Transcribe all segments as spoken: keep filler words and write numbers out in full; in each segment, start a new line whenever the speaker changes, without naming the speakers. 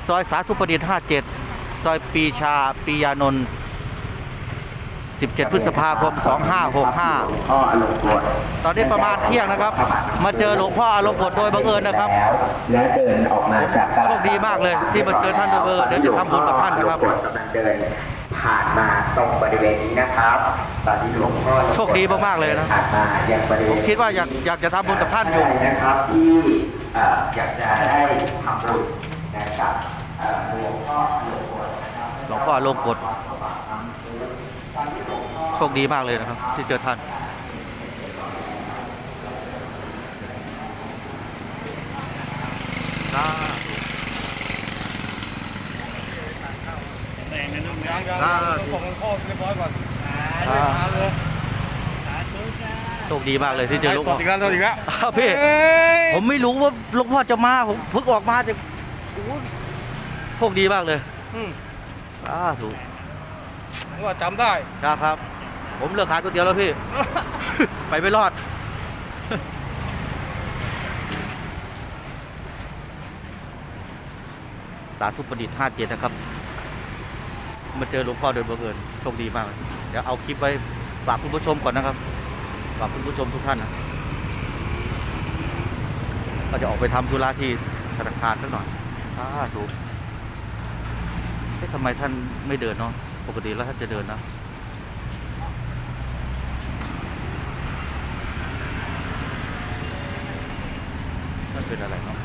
ซอยสาธุประดิษฐ์ห้าสิบเจ็ดซอยปีชาปียานนท์สิบเจ็ด พฤษภาคม สองห้าหกห้า ตอนนี้ประมาณเที่ยงนะครับมาเจอหลวงพ่ออารมณ์กฎโดยบังเอิญนะครับ
และเดินออกมาจากตลาด
โชคดีมากเลยที่มาเจอท่านโดยบังเอิญเดี๋ยวจะทำบุญกับท่านนะครับ
กำลังเดินผ่านมาตรงบริเวณนี้นะครับตอนที่หลวงพ่อ
โชคดีมากๆเลยนะ
ผ่านมายังบริเวณ
ผมคิดว่าอยากอยากจะทำบุญกับท่านอยู่
นะครับที่อยากจะได้ทำบุญนะครับหลวงพ่อหลวงพ่อ
หลวงพ่ออารมณ์กฎโชคดีมากเลยนะครับที่เจอท่าน
แดงในนุ่มยังยังส่งหลวงพ่อเรียบร้อยก่อน
โชคดีมากเลยที่เจอหลวงพ่อ
อีกแล้วอีกแล้ว
พี่ผมไม่รู้ว่าหลวงพ่อจะมาผมเพิ่งออกมาจะโชคดีมากเลยอ่าถูก
ว่าจำได้
ครับผมเลิกขายก๋วยเตี๋ยวแล้วพี่ ไปไม่รอด สาธุประดิษฐ์ห้าสิบเจ็ดนะครับมาเจอหลวงพ่อโดยบังเอิญโชคดีมากเดี๋ยวเอาคลิปไว้ฝากคุณผู้ชมก่อนนะครับฝากคุณผู้ชมทุกท่านนะก็จะออกไปทำธุระที่ธนาคารสักหน่อยอ่าถูกเอ๊ะทำไมท่านไม่เดินเนาะปกติแล้วท่านจะเดินนะมันเป็นอะไรเนาะ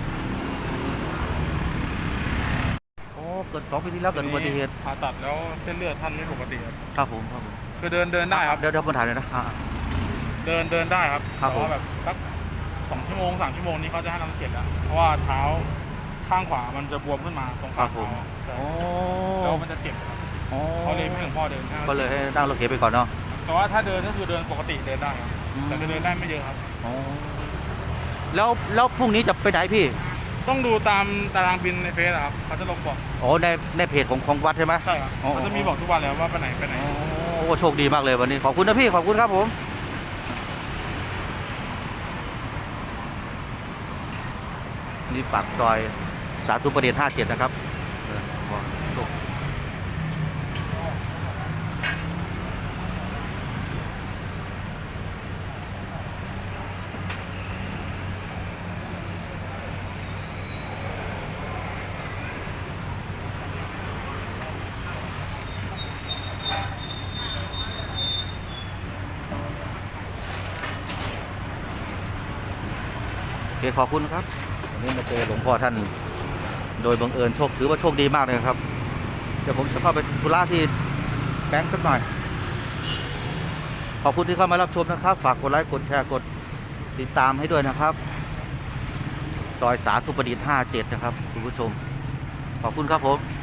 โอ้เกิดสองปีที่แล้วเกิดอุบัติเหตุ
ผ่าตัดแล้วเส้นเลือดท่านไม่ปกติครับ
ครับผมครับผม
คือเดินเดินได้ครับ
เดี๋ยวเดี๋ยวผมถ่ายเลยนะ
เดินเดินได้ครับ
ครับผม
แบบสักสองชั่วโมงสามชั่วโมงนี้เขาจะให้น้ำเกล็ดแล้วเพราะว่าเท้าข้างขวามันจะบวมขึ้นมาตรงฝ่าเท้าแล้วมันจะเจ็บเขาเลยไม่ให้หลวงพ่อเดิน
ก็เลยให้นั่งรถเข็นไปก่อนเนาะ
แต่ว่าถ้าเดินก็คือเดินปกติเดินได้ครับแต่จะเดินได้ไม่เยอะครับ
แล้วแล้วพรุ่งนี้จะไปไหนพี่
ต้องดูตามตารางบินในเฟซครับเขาจะลงบอก
อ๋อในในเพจของของวัดใช่ไหม
ใช่ครับเขาจะมีบอกทุกวันแล้วว่าไปไหนไปไหน
โอ้โชคดีมากเลยวันนี้ขอบคุณนะพี่ขอบคุณครับผมนี่ปากซอยสาธุประดิษฐ์ห้าสิบเจ็ดนะครับโอเคขอบคุณครับวันนี้มาเจอหลวงพ่อท่านโดยบังเอิญโชคถือว่าโชคดีมากเลยครับเดี๋ยวผมจะเข้าไปธุระที่แบงค์สักหน่อยขอบคุณที่เข้ามารับชมนะครับฝากกดไลค์กดแชร์กดติดตามให้ด้วยนะครับซอยสาธุประดิษฐ์ห้าสิบเจ็ดนะครับคุณผู้ชมขอบคุณครับผม